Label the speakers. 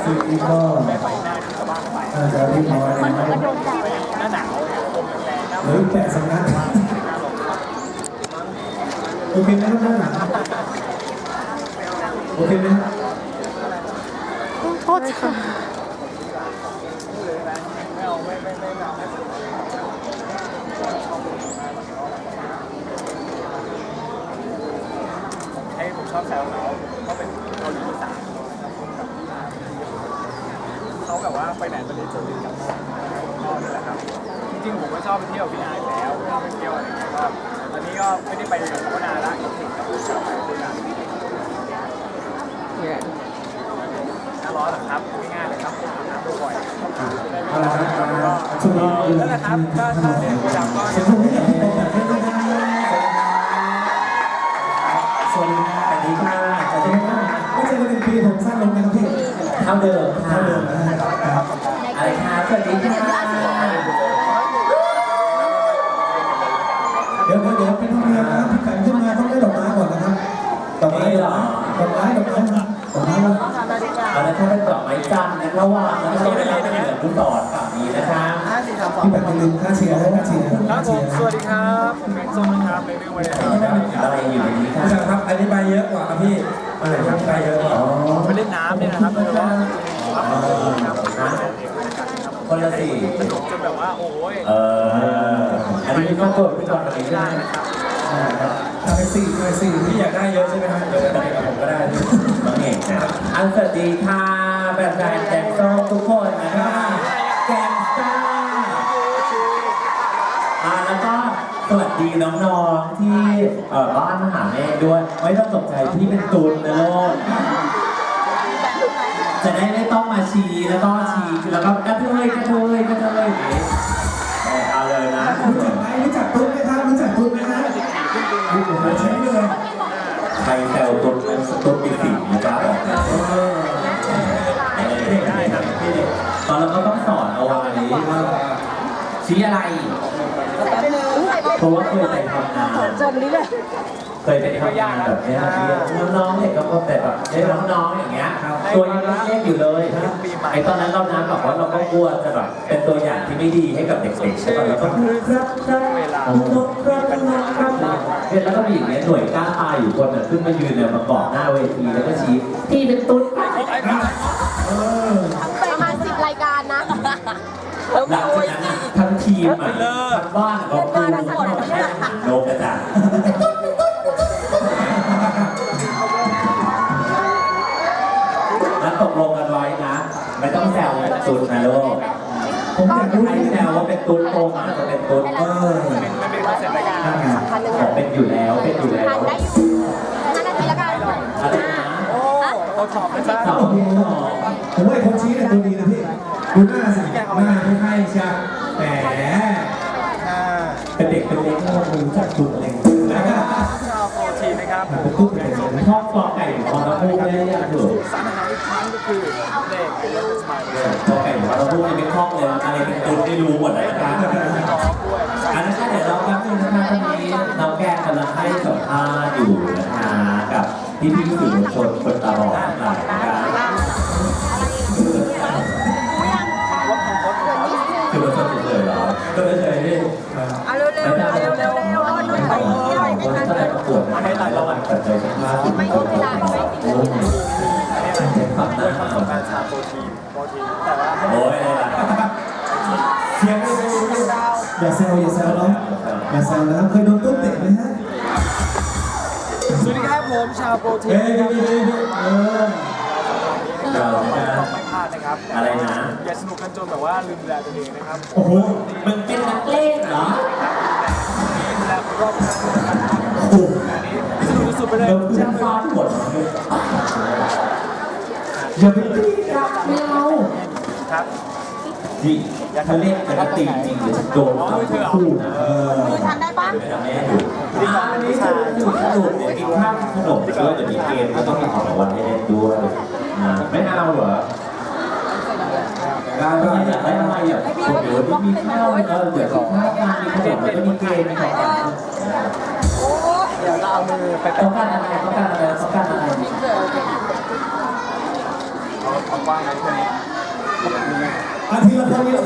Speaker 1: ซึ่งนี่ก็น่าจะเรียบร้อยแล้วหรือแปะสำนักโอเคไหมครับหน้าหนังโอเคไหม
Speaker 2: โทษค่ะ
Speaker 3: ให้ผมชอบแซวเขาเป็นเกาหลีอีสานเขาแบบว่าไปไหนตอนนี้จะวิ่งกับพ่อนี่แหละครับจริงๆผมก็ชอบไปเที่ยวพี่นายแล้วชอบไปเที่ยวอะไรอย่างเงี้ยก็ตอนนี้ก็ไม่ได้ไปกับเขานานละคิดถึงกับชาวไปด้วยกันหน้าร้อนหรอครับง่ายๆเลยครับอาบน้ำบ่อยๆ
Speaker 1: เอาละครับช่วงนี้
Speaker 3: นั่นแหละครับถ้าเรียนโปรดักต์ก็
Speaker 1: เสียงผมไม่อยากให้เป็นแบบนี้นะสวัสดีค่ะสวัสดีค่ะสวัสดีค่ะไม่ใช่ว่าเป็นปีผมสั้นลงนะครับพี่เท่าเดิมเท่าเดิมนะครับอะไรคะสวัสดีค่ะเดี๋ยวเป็นธรรมเนียมนะครับพี่ไก่ขึ้นมาต้องได้ดอกไม้ก่อนนะครับดอกไม้เหรอดอกไม้
Speaker 4: เอาละถ้าเป็นดอกไม้จันทร์นะระหว่างแล้วก็ไม่ได้เป็นแบบลูกศรฝั่งนี้นะคะ
Speaker 1: พี่แบบลืมค่าเชียร์ค่าเชียร์
Speaker 3: ครับผมสวัสดีครับผมแม็กซ์ส้มนะครับในเรื่องวันนี้
Speaker 4: อะไรอยู่ในนี้ค่ะ
Speaker 1: ครับอันนี้ใบเยอะกว่าครับพี่อะไรครับใบเยอะกว่า
Speaker 3: ไปเล่นน้ำเนี่ยนะครับโดยเฉพาะ
Speaker 4: คนละสี่
Speaker 3: สนุกจนแบบว่าโอ้ย
Speaker 4: อันนี้ก็ตัวพี่ก่อนอะไรได้
Speaker 3: นะครับ
Speaker 1: ทำไปสี่พี่อยากได้เยอะใช่ไหมครับเดี๋ยวไปกับผมก็ได้
Speaker 4: น้องเอกนะอันสวัสดีค่ะแบบแฟนแจ็คส้มทุกคนนะคะแกงซ่าแล้วก็สวัสดีน้องๆที่บ้านมหาเมฆด้วยไม่ต้องตกใจพี่เป็นตูนนะโลกจะได้ไม่ต้องมาชี้แล้วก็กระเทยเอาเลยนะ
Speaker 1: รู้จักตุ๊กไหมครับรู้จักตุ๊กไหมครับใช่เลย
Speaker 4: ใครแซวตุ๊ดปีสี่นะครับ
Speaker 3: ได้ครับพี่
Speaker 4: ตอนเราก็ต้องสอนเอาไว้ชี้อะไรเพราะว่าเคยไปทำงานเคยไปทำงานแบบนี้น้องๆเด็กก็พบแต่แบบได้น้องๆอย่างเงี้ยตัวยังเล็กๆอยู่เลยไอ้ตอนนั้นเรานะแบบว่าเราก็กลัวจะแบบเป็นตัวอย่างที่ไม่ดีให้กับเด็กๆใช่ป่ะแล้วก็ครับแล้วก็มีอย่างเงี้ยหน่วยกล้าตายอยู่คนขึ้นมายืนเนี่ยมาเกาะหน้าเวทีแล้วก็ชี้พี่เป็นตุ๊ด
Speaker 2: ประมาณ10 รายการนะ
Speaker 4: หลังจากนั้นทั้งทีมทั้งบ้านก็คือโลกกระจายแล้วตกลงกันไว้นะไม่ต้องแซวตุ๊ดนะลูกผมอยากรู้ให้แซวว่าเป็นตุ๊ดโตมาจะเป็นตุ๊ด
Speaker 3: มันเป็นคอนเซ็ปต์รายการ
Speaker 4: ผมเป็นอยู่แล้ว
Speaker 2: ได้อยู่5 นาทีละกัน
Speaker 4: อะไรนะ
Speaker 3: เขาถอดนะจ๊ะ
Speaker 1: ผมว่าคนชี้เนี่ยตัวดีนะพี่ดูหน้าสิหน้าไม่ให้ใช่แหมเป็นเด็กเป็นเล็กก็รู้จักตุ๊ดอะไรอย่างเงี้ย
Speaker 3: ชาวโปรตีนนะครับ
Speaker 1: เป็นตุ๊ดเป็นอะไร
Speaker 4: ชอบกอไก่ของเราพูดได้ยังถูก
Speaker 3: สารอาหารอีกครั้งก็คือเลขเป็นเรื่องสมัยเลย
Speaker 4: กอไก่ของเราพูดยังไม่คล่องเลยอะไรเป็นตุ๊ดไม่รู้หมดเลยนะครับอันนั้นเดี๋ยวเราแป๊บนึงนะคะตอนนี้น้องแกงกำลังให้สัมภาษณ์อยู่นะคะกับพี่สื่อมวลชนคนตาบอดนะครับคือมวลชนเฉยๆเหรอก็ไม่เคยได้
Speaker 2: เร็ว
Speaker 4: ถ้าได้ประกวดให้หลายรางวัลปัจจัยสัมภาษณ์
Speaker 2: ไม่ต้องเวลา
Speaker 3: อันนี้ความน่าของการชาโปรตีนแต่ว่า
Speaker 4: โอ้ย
Speaker 1: เสียงอย่าแซวเนาะอย่าแซวนะครับเคยโดนตุ๊ดเตะไหมฮะ
Speaker 3: สวัสดีครับผมชาวโปรตีน
Speaker 4: เรา
Speaker 3: ต้องไม่พลาดนะครับ
Speaker 4: อะไรนะ
Speaker 3: อย่าสนุกกันจนแบบว่าลืมดูแลตัวเองนะครับ
Speaker 1: โอ้โห
Speaker 4: มึงเป็นนักเล่นเหรอ
Speaker 3: ดูแลรอบข้างกันโอ้โหสนุกสุดไปเลย
Speaker 4: จะฟาดหมด
Speaker 1: อย่าไปตีกันไม่เอา
Speaker 3: ครับ
Speaker 4: ดิเธอเล่นแต่ตีจริงหรือโดนคู่นะ
Speaker 2: มือทำได้ปะ
Speaker 4: ไม่ทำแม่ดูอันนี้จะอยู่ขนมเนี่ยกินข้าวขนมด้วยจะมีเกมก็ต้องมีของรางวัลให้เล่นด้วยไม่เอาเหรอการอยากได้อะไรอยากเดี๋ยวมีข้าวเดี๋ยวข้าวการมีขนมแล้วก็มีเกมมีของ
Speaker 3: เดี๋ยวเราเอามือไป
Speaker 4: ต้องการอะไร
Speaker 3: ว่างไหมช่วงนี้
Speaker 1: อาทีละคนนี้